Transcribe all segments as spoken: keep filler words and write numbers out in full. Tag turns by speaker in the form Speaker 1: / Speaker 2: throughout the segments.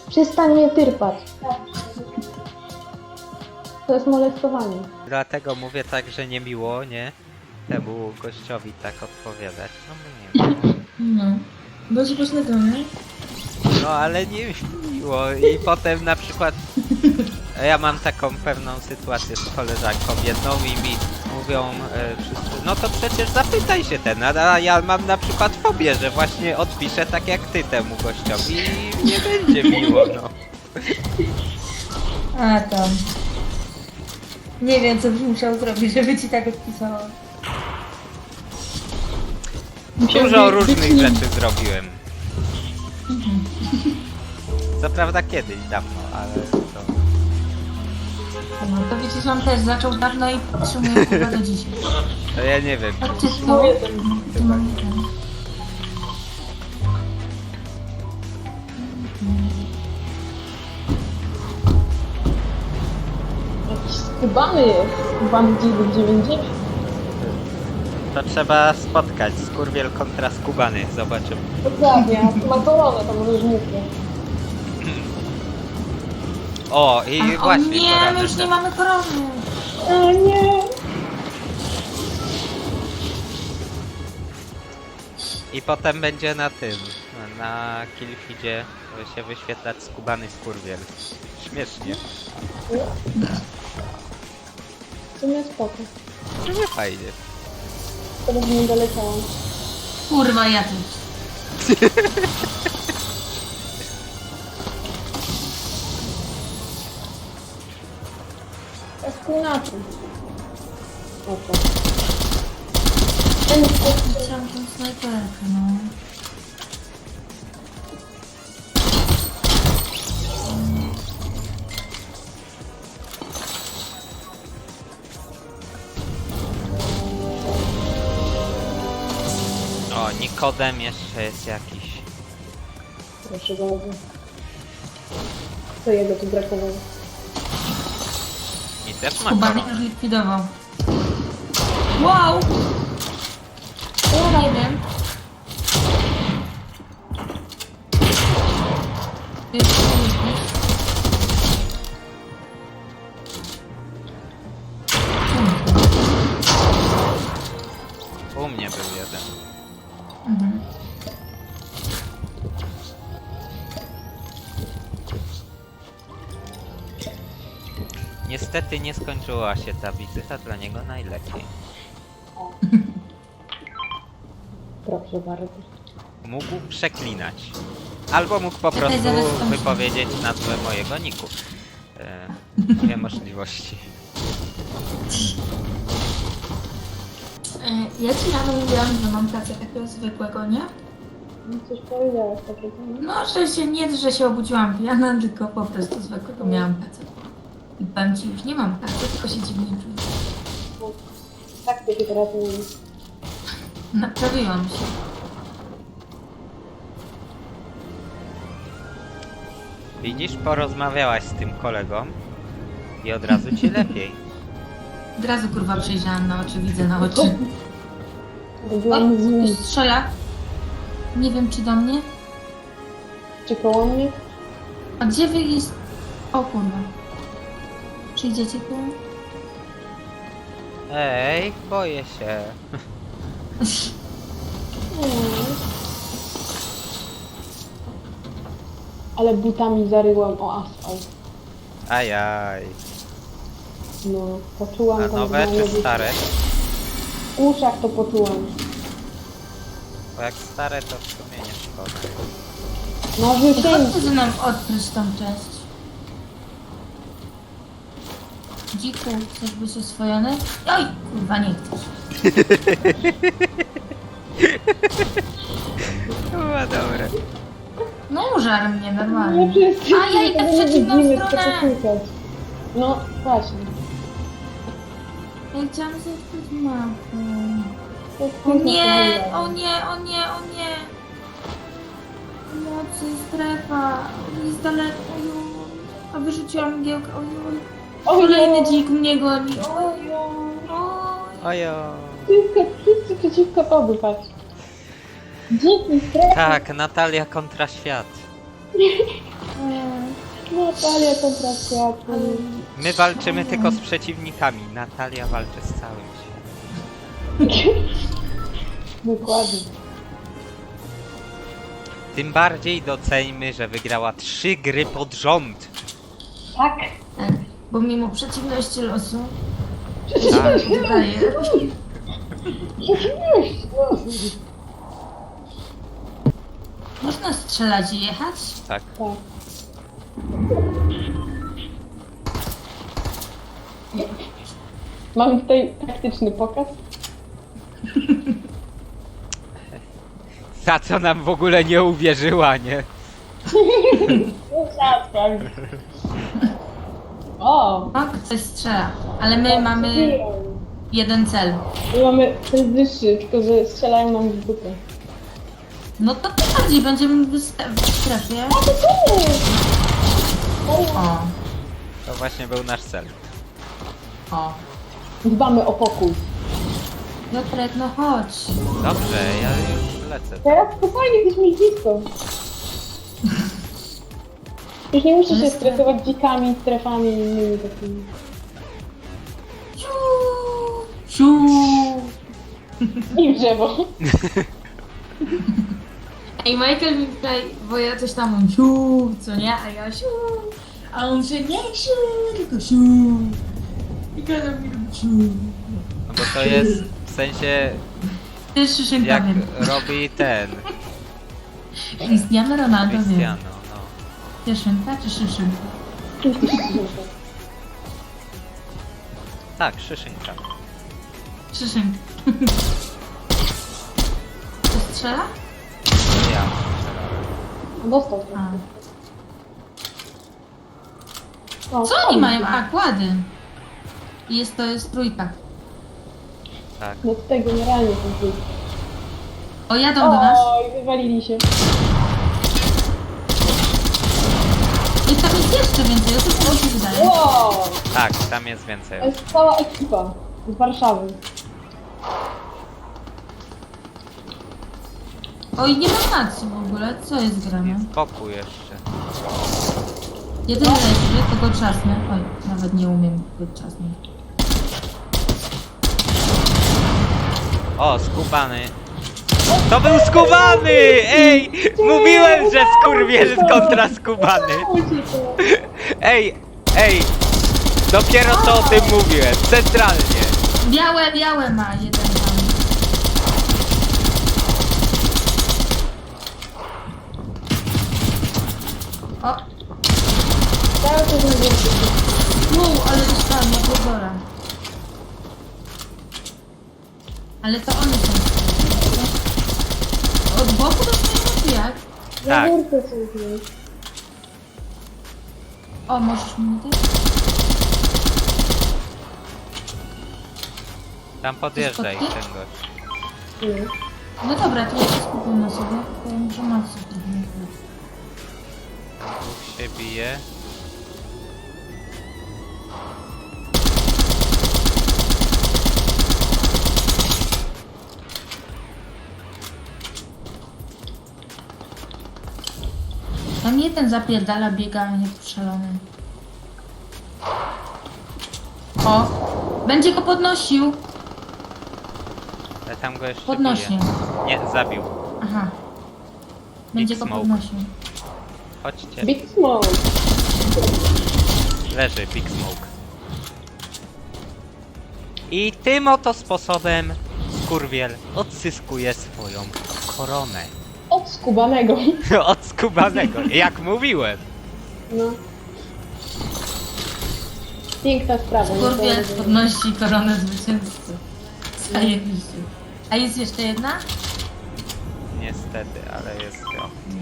Speaker 1: Przestań mnie tyrpać. To jest molestowanie.
Speaker 2: Dlatego mówię tak, że nie miło, nie? Temu gościowi tak odpowiadać. No bo nie wiem.
Speaker 3: No. Bardzo pośledzą, nie?
Speaker 2: No ale nie miło. I potem na przykład ja mam taką pewną sytuację z koleżanką jedną i mi mówią e, wszyscy, no to przecież zapytaj się ten, a ja mam na przykład fobię, że właśnie odpiszę tak jak ty temu gościowi i nie będzie miło, no.
Speaker 3: A tam. Nie wiem, co byś musiał zrobić, żeby ci tak odpisało.
Speaker 2: Dużo różnych rzeczy zrobiłem. Co prawda kiedyś, dawno, ale to...
Speaker 3: No to widzisz, on też zaczął dawno i podtrzymuje chyba do dzisiaj.
Speaker 2: To ja nie wiem.
Speaker 3: A ty to... Ty mam ten.
Speaker 1: Jakiś skubany jest. Skubany dziewięć dziewięć dziewięć.
Speaker 2: To trzeba spotkać. Skurwiel kontra skubany, zobaczymy.
Speaker 1: Dokładnie, a ma koronę tam różnicę.
Speaker 2: O, i
Speaker 3: A, o
Speaker 2: właśnie.
Speaker 3: nie,
Speaker 2: pora
Speaker 3: my już
Speaker 2: wyszedł.
Speaker 3: nie mamy korony.
Speaker 1: O nie!
Speaker 2: I potem będzie na tym, na Killfeedzie się wyświetlać skubany skurwiel. Śmiesznie.
Speaker 1: W sumie spoko.
Speaker 2: To nie fajnie.
Speaker 1: Teraz nie doleciałam.
Speaker 3: Kurwa, ja też.
Speaker 1: jest inaczej. Oto.
Speaker 3: Chciałam tą snajperkę, no.
Speaker 2: O, Nikodem jeszcze jest jakiś.
Speaker 1: Proszę bardzo. Co jego tu brakowało?
Speaker 2: I też ma
Speaker 3: Kubany
Speaker 2: koronę.
Speaker 3: już likwidował. Wow! Ja nie wiem. Jeszcze nie.
Speaker 2: U mnie był jeden.
Speaker 3: Mhm.
Speaker 2: Niestety nie skończyła się ta wizyta, dla niego najlepiej.
Speaker 1: Proszę bardzo.
Speaker 2: Mógł przeklinać. Albo mógł po prostu
Speaker 3: zaraz skończę.
Speaker 2: wypowiedzieć nazwę mojego niku. E, dwie możliwości.
Speaker 3: E, Ja ci rano mówiłam, że mam pracę takiego zwykłego, nie?
Speaker 1: No coś powiedziałeś takiego, nie?
Speaker 3: No, że się nie, że się obudziłam pijana, tylko po prostu zwykłego miałam pracę. I powiem ci, już nie mam pracy, tylko się dziwnie czuję.
Speaker 1: No, tak to się teraz mówi.
Speaker 3: Naprawiłam się.
Speaker 2: Widzisz, porozmawiałaś z tym kolegą i od razu ci lepiej.
Speaker 3: Od razu kurwa przejrzałam na oczy, widzę na oczy. O,
Speaker 1: Robiłam z nim.
Speaker 3: ktoś strzela. Nie wiem, czy do mnie.
Speaker 1: Czy koło mnie?
Speaker 3: A gdzie wy jest... O kurwa. Przyjdziecie tu?
Speaker 2: Ej, boję się.
Speaker 1: Nie. Ale butami zaryłam o asfalt.
Speaker 2: Ajaj.
Speaker 1: No, poczułam
Speaker 2: A
Speaker 1: tam
Speaker 2: nowe
Speaker 1: normalnie
Speaker 2: czy stare?
Speaker 1: W uszach to poczułam.
Speaker 2: Bo jak stare to w sumie nie szkoda.
Speaker 1: No wyszedł.
Speaker 3: Chodźcie ze mną odkryć tą część. Dziku, chcesz być oswojony? Oj, kurwa, nie chcesz.
Speaker 2: Chyba dobre.
Speaker 3: No użar mnie
Speaker 1: Nie
Speaker 3: normalnie.
Speaker 1: wszyscy.
Speaker 3: A ja idę w przeciwną
Speaker 1: widzimy,
Speaker 3: stronę.
Speaker 1: co klikać. No, właśnie.
Speaker 3: Ja chciałam sobie odkryć mapę.
Speaker 1: To jest
Speaker 3: O
Speaker 1: piękne
Speaker 3: nie,
Speaker 1: powiedziane.
Speaker 3: o nie, o nie, o nie. Mocy, strefa, jest daleko, ojoj. A wyrzuciłam mgiełkę, ojoj. Kolejny dzik mnie goni, ojoj. Oj.
Speaker 2: Ojo.
Speaker 1: Wszyscy, wszyscy przeciwko tobie, patrz. Dziki, strefa.
Speaker 2: Tak, Natalia kontra świat.
Speaker 3: Eee,
Speaker 1: Natalia kontra światło.
Speaker 2: My walczymy tylko z przeciwnikami. Natalia walczy z całym światem.
Speaker 1: Dokładnie.
Speaker 2: Tym bardziej doceńmy, że wygrała trzy gry pod rząd.
Speaker 1: Tak.
Speaker 3: Tak, bo mimo przeciwności losu
Speaker 2: Tak.
Speaker 3: wydaje. Można strzelać i jechać?
Speaker 2: Tak.
Speaker 1: Tak. Mamy tutaj taktyczny pokaz.
Speaker 2: Ta co nam w ogóle nie uwierzyła, nie?
Speaker 1: Trzeba sprawdzić. O!
Speaker 3: O, ktoś strzela, ale my mamy jeden cel.
Speaker 1: My mamy ten wyższy, tylko że strzelają nam w dupę.
Speaker 3: No to tym bardziej będziemy w stre- w strefie. O,
Speaker 2: To właśnie był nasz cel.
Speaker 3: o.
Speaker 1: Dbamy o pokój.
Speaker 3: Piotrek, no chodź.
Speaker 2: Dobrze, ja już lecę.
Speaker 1: Teraz spokojnie, jesteśmy blisko. Już nie musisz się stresować dzikami, strefami i innymi takimi.
Speaker 3: Ciu, ciu.
Speaker 1: I w drzewo.
Speaker 3: Ej, Michael mi tutaj, bo ja coś tam mam siu, co nie, a ja siu, a on się nie siu, tylko siu. I kada mi robi siu.
Speaker 2: No bo to jest w sensie
Speaker 3: Ty jest szyszynka,
Speaker 2: jak
Speaker 3: wiem.
Speaker 2: robi ten
Speaker 3: Cristiano Ronaldo, wiem.
Speaker 2: Cristiano, no.
Speaker 3: Szyszynka czy szyszynka?
Speaker 2: Tak, szyszynka.
Speaker 3: Szyszynka. To strzela?
Speaker 2: To ja.
Speaker 1: Dostał.
Speaker 3: A.
Speaker 1: O,
Speaker 3: Co oni mają? A, kłady. I jest to jest trójka.
Speaker 2: Tak.
Speaker 1: No z tego nierealnie ten trój.
Speaker 3: O, jadą do nas.
Speaker 1: Oj, wywalili się.
Speaker 3: I tam jest jeszcze więcej, o co mi się wydaje.
Speaker 1: Wow!
Speaker 2: Tak, tam jest więcej.
Speaker 1: To jest cała ekipa z Warszawy.
Speaker 3: Oj, nie ma nacji w ogóle, co jest grane?
Speaker 2: Spokój jeszcze.
Speaker 3: Jeden leży, to go trzasnę. Oj, nawet nie umiem go trzasnąć.
Speaker 2: O, skubany. To był skubany! Ej! Mówiłem, że skurwiel kontra skubany. Ej, ej! Dopiero co o tym mówiłem. Centralnie.
Speaker 3: Białe, białe ma jeden tam. O,
Speaker 1: Cały czas mówię.
Speaker 3: wow, ale dostałam na pozora. Ale to one są. Od boku dostajemy czy jak?
Speaker 2: Tak.
Speaker 1: Na górce są gdzieś.
Speaker 3: O, możesz mi dać?
Speaker 2: Tam podjeżdżaj ten
Speaker 3: Skutki?
Speaker 2: gość.
Speaker 1: Nie.
Speaker 3: No dobra, to ja się skupię na sobie. To ja muszę maksy trochę nagrać.
Speaker 2: Dwóch się bije.
Speaker 3: Tam jeden zapierdala, biega jak szalony. O! Będzie go podnosił!
Speaker 2: Ale tam go jeszcze
Speaker 3: Podnośnie.
Speaker 2: bije. Nie, zabił.
Speaker 3: Aha. Będzie
Speaker 2: Big
Speaker 3: go
Speaker 2: smoke.
Speaker 3: podnosił.
Speaker 2: Chodźcie.
Speaker 1: Big Smoke.
Speaker 2: Leży Big Smoke. I tym oto sposobem skurwiel odzyskuje swoją koronę.
Speaker 1: Od skubanego.
Speaker 2: Od skubanego, jak mówiłem.
Speaker 1: No. Piękna sprawa. nie?
Speaker 3: Skurwiel
Speaker 1: To-
Speaker 3: podnosi koronę zwycięzcy. Zajebiście. A jest jeszcze jedna?
Speaker 2: Niestety, ale jest to.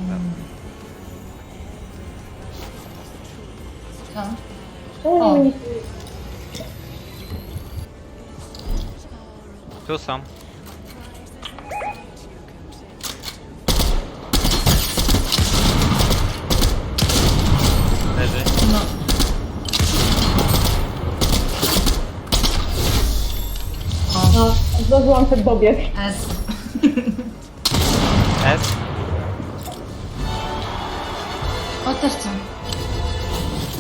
Speaker 3: Co?
Speaker 1: Czemu
Speaker 3: O.
Speaker 1: nie-
Speaker 2: Tu są. Leży.
Speaker 3: No. O,
Speaker 1: No, zdążyłam przed dobieg.
Speaker 3: S.
Speaker 2: S.
Speaker 3: O, też chcę.